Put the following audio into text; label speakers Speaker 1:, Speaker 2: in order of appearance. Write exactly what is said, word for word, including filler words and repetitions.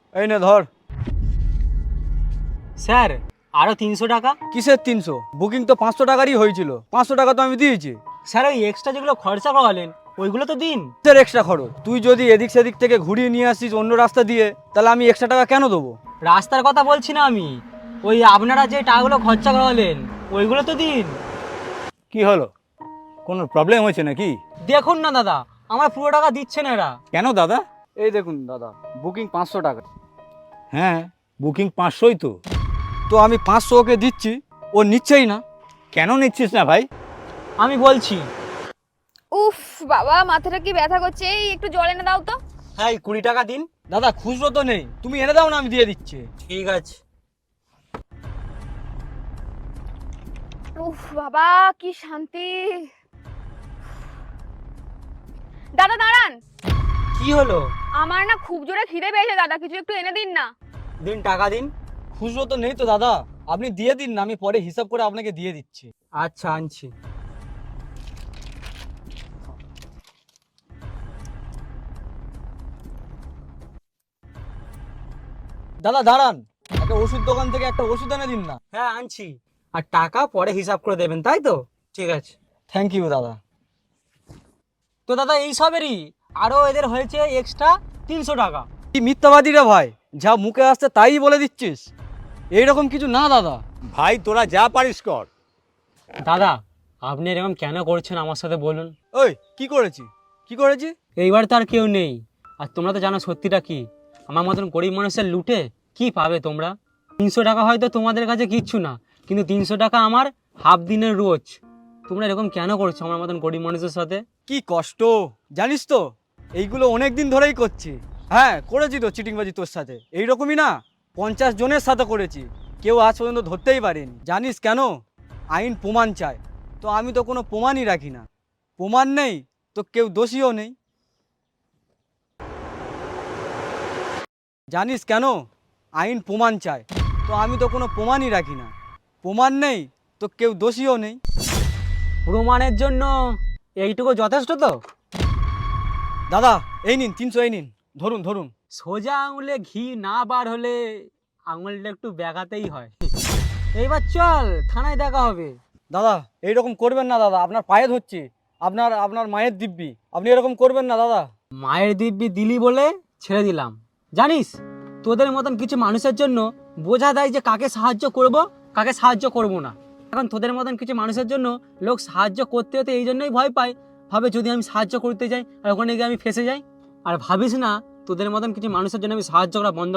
Speaker 1: এই নে ধর।
Speaker 2: স্যার আরও তিনশো টাকা।
Speaker 1: কিসের তিনশো? বুকিং তো পাঁচশো টাকারই হয়েছিল, পাঁচশো টাকা তো আমি দিয়েছি।
Speaker 2: স্যার ওই এক্সট্রা যেগুলো খরচা করালেন ওইগুলো তো দিন।
Speaker 1: তোর এক্সট্রা খরচ, তুই যদি এদিক সেদিক থেকে ঘুরিয়ে নিয়ে আসিস অন্য রাস্তা দিয়ে, তাহলে আমি এক্সট্রা টাকা কেন দেবো?
Speaker 2: রাস্তার কথা বলছি না আমি, ওই আপনারা যে টাকাগুলো খরচা করালেন ওইগুলো তো দিন।
Speaker 3: কি হলো, কোনো প্রবলেম হয়েছে নাকি?
Speaker 2: দেখুন না দাদা, আমার পুরো টাকা দিচ্ছে না এরা।
Speaker 3: কেন দাদা?
Speaker 1: এই দেখুন দাদা, বুকিং পাঁচশো টাকা।
Speaker 3: হ্যাঁ, বুকিং পাঁচশোই তো।
Speaker 1: তো আমি পাঁচশো ওকে দিচ্ছি, ও নিচ্ছেই না।
Speaker 3: কেন নিচ্ছিস না ভাই?
Speaker 2: আমি বলছি।
Speaker 4: উফ বাবা, মাথাটা কি ব্যথা করছে, এই একটু জল এনে দাও তো।
Speaker 2: হ্যাঁ এই কুড়ি টাকা দিন।
Speaker 1: দাদা খুচরো তো নেই, তুমি এনে দাও না, আমি দিয়ে দিচ্ছি।
Speaker 2: ঠিক আছে।
Speaker 4: উফ বাবা কি শান্তি। দাদা দাঁড়ান,
Speaker 2: কি হলো?
Speaker 4: আমার না খুব জোরে খিদে পেয়েছে দাদা, কিছু একটু এনে দিন না।
Speaker 2: দিন টাকা দিন।
Speaker 1: খুচরো তো নেই তো দাদা, আপনি দিয়ে দিন না, আমি পরে হিসাব করে আপনাকে দিয়ে দিচ্ছি।
Speaker 2: আচ্ছা আনছি।
Speaker 1: দাদা দাঁড়ান, একটা ওষুধ দোকান থেকে একটা ওষুধ এনে দিন না।
Speaker 2: হ্যাঁ আনছি। আর টাকা পরে হিসাব করে দেবেন তাই তো? ঠিক আছে।
Speaker 1: থ্যাংক ইউ দাদা।
Speaker 2: তো দাদা এই সবেরই আরও এদের হয়েছে এক্সট্রা তিনশো টাকা।
Speaker 1: কি মিথ্যাবাদী রে ভাই, যা মুখে আসছে তাই বলে দিচ্ছিস। এইরকম কিছু না দাদা।
Speaker 3: ভাই তোরা যা পারিস কর।
Speaker 2: দাদা আপনি এরকম কেন করছেন আমার সাথে বলুন?
Speaker 1: ওই কি করেছি, কি করেছি?
Speaker 2: এইবার তো আর কেউ নেই, আর তোমরা তো জানো সত্যিটা কি। আমার মতন গরিব মানুষের লুটে কি পাবে তোমরা? তিনশো টাকা হয়তো তোমাদের কাছে কিচ্ছু না, কিন্তু তিনশো টাকা আমার হাফ দিনের রোজ। তোমরা এরকম কেন করছো আমার মতন গরিব মানুষের সাথে?
Speaker 1: কি কষ্ট জানিস তো, এইগুলো অনেক দিন ধরেই করছি। হ্যাঁ করেছি তো চিটিংবাজি তোর সাথে, এইরকমই না পঞ্চাশ জনের সাথে করেছি, কেউ আজ পর্যন্ত ধরতেই পারেনি। জানিস কেন? আইন প্রমাণ চায়, তো আমি তো কোনো প্রমাণই রাখি না। প্রমাণ নেই তো কেউ দোষীও নেই। জানিস কেন? আইন প্রমাণ চায়, তো আমি তো কোনো প্রমাণই রাখি না। প্রমাণ নেই তো কেউ দোষীও নেই।
Speaker 2: প্রমাণের জন্য এইটুকু যথেষ্ট তো?
Speaker 1: দাদা এই নিন তিনশো, এই নিন ধরুন ধরুন।
Speaker 2: সোজা আঙুলে ঘি না বার হলে আঙুলটা একটু ব্যাগাতেই হয়। এইবার চল থানায় দেখা হবে।
Speaker 1: দাদা এইরকম করবেন না দাদা, আপনার পায়ে ধরছি, আপনার আপনার মায়ের দিব্যি, আপনি এরকম করবেন না দাদা।
Speaker 2: মায়ের দিব্যি দিলি বলে ছেড়ে দিলাম। জানিস তোদের মতন কিছু মানুষের জন্য বোঝা দেয় যে কাকে সাহায্য করব কাকে সাহায্য করব না। এখন তোদের মতন কিছু মানুষের জন্য লোক সাহায্য করতে হতে এই জন্যই ভয় পায়, ভাবে যদি আমি সাহায্য করতে যাই আর ওখানে গিয়ে আমি ফেঁসে যাই। আর ভাবিস না তোদের মতন কিছু মানুষের জন্য আমি সাহায্য করা বন্ধ